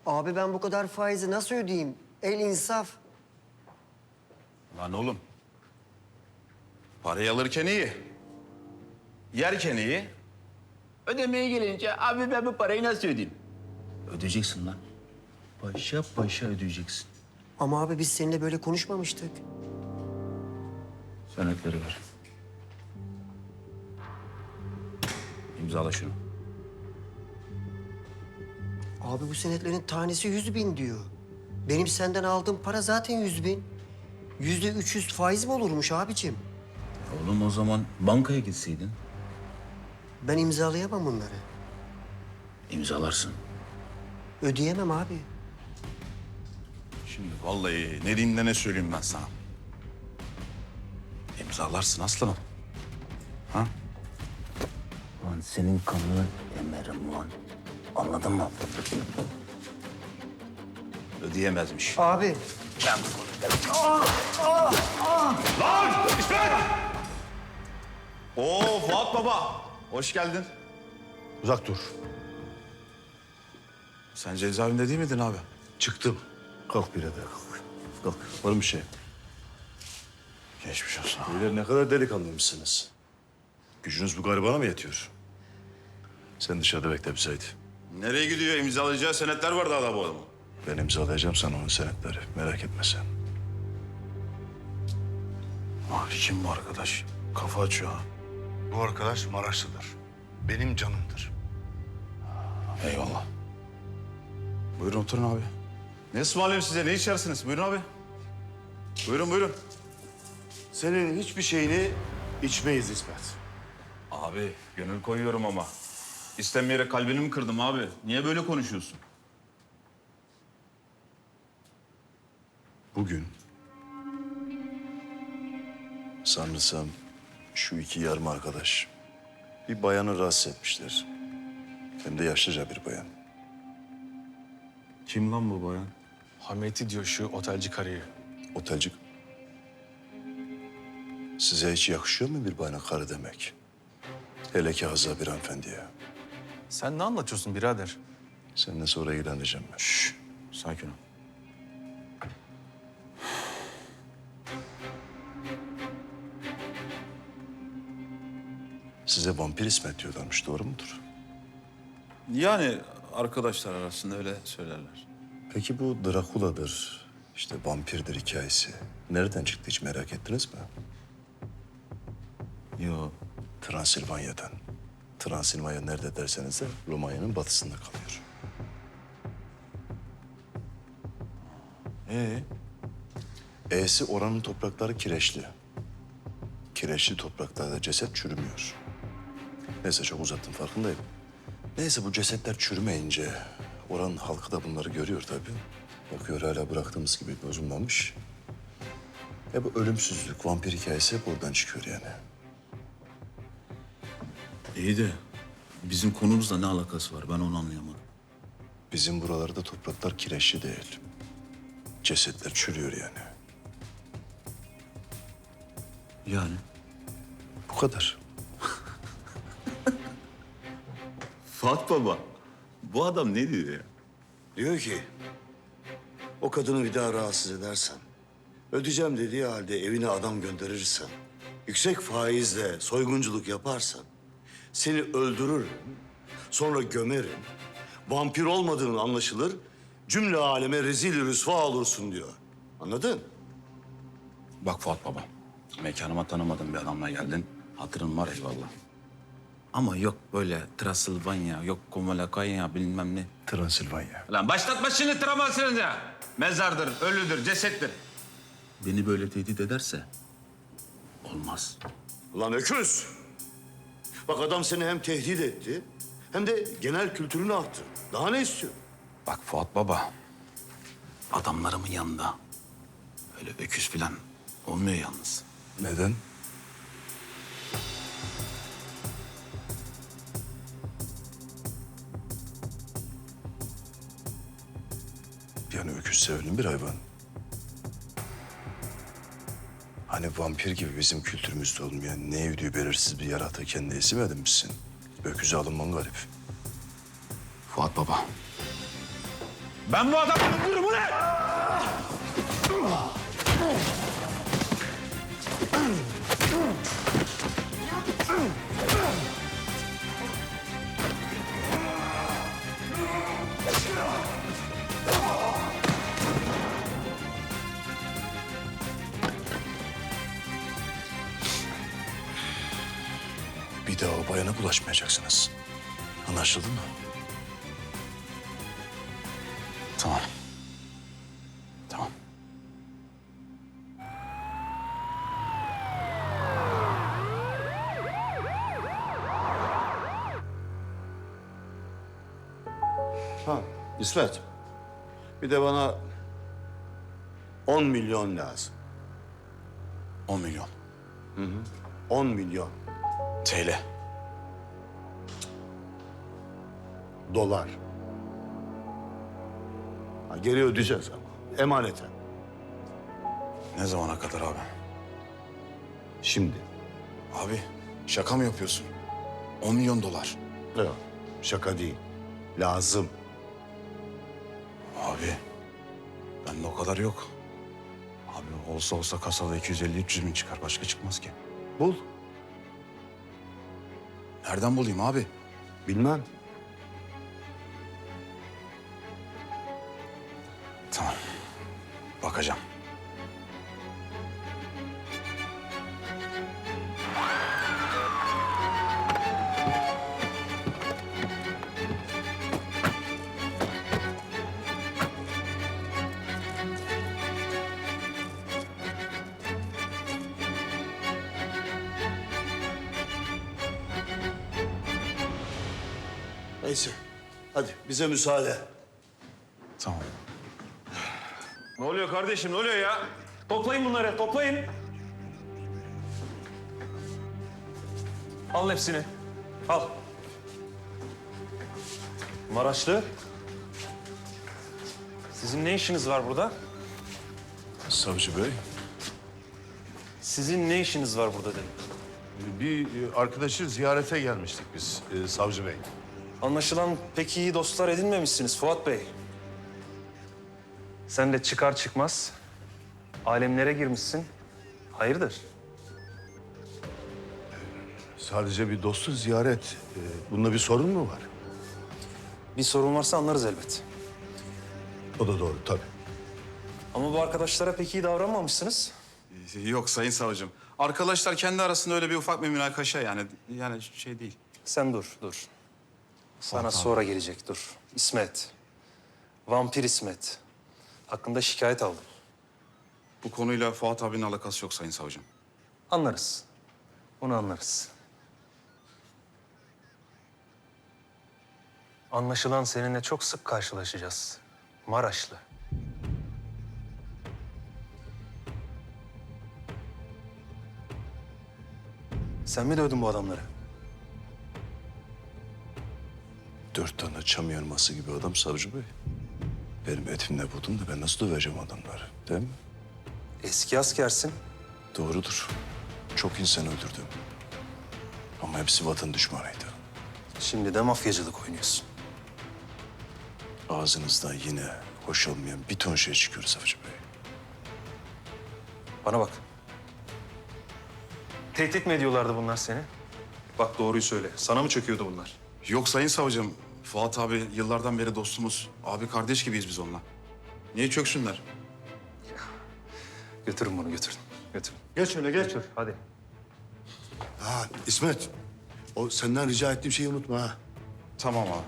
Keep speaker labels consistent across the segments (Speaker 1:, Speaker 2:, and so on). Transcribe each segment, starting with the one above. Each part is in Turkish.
Speaker 1: Abi ben bu kadar faizi nasıl ödeyeyim? El insaf.
Speaker 2: Lan oğlum. Parayı alırken iyi. Yerken iyi. Ödemeye gelince abi ben bu parayı nasıl ödeyeyim? Ödeyeceksin lan. Paşa paşa ödeyeceksin.
Speaker 1: Ama abi biz seninle böyle konuşmamıştık.
Speaker 2: Senetleri ver. İmzala şunu.
Speaker 1: Abi bu senetlerin tanesi 100.000 diyor. Benim senden aldığım para zaten 100.000. %300 faiz mi olurmuş abicim?
Speaker 2: Oğlum o zaman bankaya gitseydin.
Speaker 1: Ben imzalayamam bunları.
Speaker 2: İmzalarsın.
Speaker 1: Ödeyemem abi.
Speaker 2: Şimdi vallahi ne dinle ne söyleyeyim ben sana. İmzalarsın aslanım. Ha? Lan senin kanını emerim lan. Anladın mı? Ödeyemezmiş.
Speaker 1: Abi.
Speaker 2: Lan! İsmet! Oo Fuat Baba. Hoş geldin.
Speaker 3: Uzak dur.
Speaker 2: Sen cezaevinde değil miydin abi?
Speaker 3: Çıktım. Kalk birader kalk. Kalk. Var mı bir şey?
Speaker 2: Geçmiş olsun.
Speaker 3: Beyler ne kadar delikanlıymışsınız. Gücünüz bu garibana mı yetiyor? Sen dışarıda bekle bize haydi.
Speaker 2: Nereye gidiyor? İmzalayacağı senetler var daha da bu adamın.
Speaker 3: Ben imzalayacağım sana onun senetleri. Merak etme sen.
Speaker 2: Ah kim bu arkadaş? Kafa açıyor ha.
Speaker 3: Bu arkadaş Maraşlıdır. Benim canımdır.
Speaker 2: Eyvallah. Buyurun oturun abi. Ne ısmarlayayım size? Ne içersiniz? Buyurun abi. Buyurun buyurun.
Speaker 3: Senin hiçbir şeyini içmeyiz İsmet.
Speaker 2: Abi gönül koyuyorum ama. İstemeyerek kalbini mi kırdım abi? Niye böyle konuşuyorsun?
Speaker 3: Bugün sanırsam şu iki yarım arkadaş bir bayanı rahatsız etmişler. Hem de yaşlıca bir bayan.
Speaker 2: Kim lan bu bayan?
Speaker 4: Hameti diyor şu otelci karıyı.
Speaker 3: Otelcik. Size hiç yakışıyor mu bir bayana karı demek? Hele ki Hazza bir hanımefendiye.
Speaker 4: Sen ne anlatıyorsun birader?
Speaker 3: Seninle sonra ilgileneceğim ben.
Speaker 2: Şşş, sakin ol.
Speaker 3: Size vampir İsmet diyorlarmış, doğru mudur?
Speaker 2: Yani arkadaşlar arasında öyle söylerler.
Speaker 3: Peki bu Drakula'dır, işte vampirdir hikayesi. Nereden çıktı hiç merak ettiniz mi?
Speaker 2: Yo.
Speaker 3: Transilvanya'dan. Transilvanya nerede derseniz de Romanya'nın batısında kalıyor. E'si oranın toprakları kireçli. Kireçli topraklarda ceset çürümüyor. Neyse çok uzattım farkındayım. Neyse bu cesetler çürümeyince oranın halkı da bunları görüyor tabii. Bakıyor hala bıraktığımız gibi bozulmamış. Bu ölümsüzlük, vampir hikayesi hep oradan çıkıyor yani.
Speaker 2: İyi de bizim konumuzla ne alakası var? Ben onu anlayamadım.
Speaker 3: Bizim buralarda topraklar kireçli değil. Cesetler çürüyor yani.
Speaker 2: Yani?
Speaker 3: Bu kadar.
Speaker 2: Fuat Baba, bu adam ne diyor ya?
Speaker 5: Diyor ki, o kadını bir daha rahatsız edersen, ödeyeceğim dediği halde evine adam gönderirsen, yüksek faizle soygunculuk yaparsan, seni öldürürüm, sonra gömerim, vampir olmadığın anlaşılır, cümle aleme rezil rüsva olursun diyor. Anladın?
Speaker 2: Bak Fuat Baba, mekanıma tanımadığın bir adamla geldin. Hatırın var eyvallah. Ama yok böyle Transilvanya, yok Komalakaya bilmem ne.
Speaker 3: Transilvanya.
Speaker 2: Lan başlatma şimdi Transilvanya. Mezardır, ölüdür, cesettir. Beni böyle tehdit ederse olmaz.
Speaker 5: Ulan öküz! Bak adam seni hem tehdit etti, hem de genel kültürünü arttırdı. Daha ne istiyor?
Speaker 2: Bak Fuat Baba, adamlarımın yanında öyle öküz falan olmuyor yalnız.
Speaker 3: Neden? Yani öküz sevilen bir hayvan. Hani vampir gibi bizim kültürümüzde olmayan ne evliliği belirsiz bir yaratığı kendine isim edinmişsin. Öküze alınman garip.
Speaker 2: Fuat Baba, Ben bu adamı öldürürüm ulan!
Speaker 3: Bir daha o bayana bulaşmayacaksınız. Anlaşıldı mı?
Speaker 2: Tamam. Tamam.
Speaker 5: Ha, İsmet. Bir de bana 10 milyon lazım.
Speaker 3: 10 milyon.
Speaker 5: 10 milyon
Speaker 3: TL.
Speaker 5: dolar. Ha, geri ödeyeceğiz ama. Emaneten.
Speaker 3: Ne zamana kadar abi?
Speaker 5: Şimdi.
Speaker 3: Abi şaka mı yapıyorsun? 10 milyon dolar.
Speaker 5: Yok, şaka değil. Lazım.
Speaker 3: Abi bende o kadar yok. Abi olsa olsa kasada 250-300 bin çıkar. Başka çıkmaz ki.
Speaker 5: Bul.
Speaker 3: Nereden bulayım abi?
Speaker 5: Bilmem.
Speaker 3: Tamam. Bakacağım.
Speaker 5: Neyse. Hadi bize müsaade.
Speaker 3: Tamam.
Speaker 4: Ne oluyor kardeşim, ne oluyor ya? Toplayın bunları, toplayın. Al hepsini. Al. Maraşlı. Sizin ne işiniz var burada?
Speaker 3: Savcı Bey.
Speaker 4: Sizin ne işiniz var burada dedim.
Speaker 6: Bir arkadaşı ziyarete gelmiştik biz savcı bey.
Speaker 4: Anlaşılan pek iyi dostlar edinmemişsiniz Fuat Bey. Sen de çıkar çıkmaz alemlere girmişsin. Hayırdır?
Speaker 6: Sadece bir dostu ziyaret. Bunda bir sorun mu var?
Speaker 4: Bir sorun varsa anlarız elbet.
Speaker 6: O da doğru tabii.
Speaker 4: Ama bu arkadaşlara pek iyi davranmamışsınız.
Speaker 2: Yok sayın savcım. Arkadaşlar kendi arasında öyle bir ufak bir münakaşa yani şey değil.
Speaker 4: Sen dur, dur. Sana sonra gelecek, dur. İsmet. Vampir İsmet. Hakkında şikayet aldım.
Speaker 2: Bu konuyla Fuat abinin alakası yok sayın savcım.
Speaker 4: Anlarız. Onu anlarız. Anlaşılan seninle çok sık karşılaşacağız. Maraşlı. Sen mi dövdün bu adamları?
Speaker 3: 4 tane çam yarması gibi adam savcı bey. Benim etimle budum da ben nasıl döveceğim adamları, değil mi?
Speaker 4: Eski askersin.
Speaker 3: Doğrudur. Çok insan öldürdüm. Ama hepsi vatan düşmanıydı.
Speaker 4: Şimdi de mafyacılık oynuyorsun.
Speaker 3: Ağzınızdan yine hoş olmayan bir ton şey çıkıyor savcı bey.
Speaker 4: Bana bak. Tehdit mi ediyorlardı bunlar seni? Bak doğruyu söyle. Sana mı çöküyordu bunlar?
Speaker 2: Yok sayın savcım. Fuat abi yıllardan beri dostumuz. Abi kardeş gibiyiz biz onunla. Niye çöksünler?
Speaker 4: Götürün bunu, götürün. Götürün.
Speaker 5: Geç öyle geç.
Speaker 4: Götür, hadi.
Speaker 5: Ha İsmet. O senden rica ettiğim şeyi unutma ha.
Speaker 2: Tamam abi.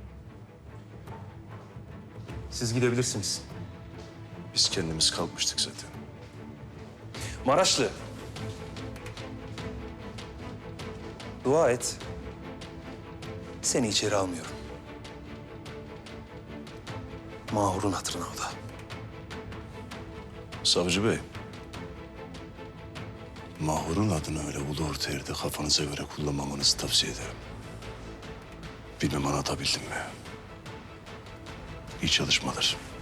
Speaker 4: Siz gidebilirsiniz.
Speaker 3: Biz kendimiz kalkmıştık zaten.
Speaker 4: Maraşlı. Dua et. Seni içeri almıyorum. Mahur'un hatırına o da.
Speaker 3: Savcı bey. Mahur'un adını öyle ulu orta yerde kafanıza göre kullanmamanızı tavsiye ederim. Bilmem anlatabildim mi? İyi çalışmalar.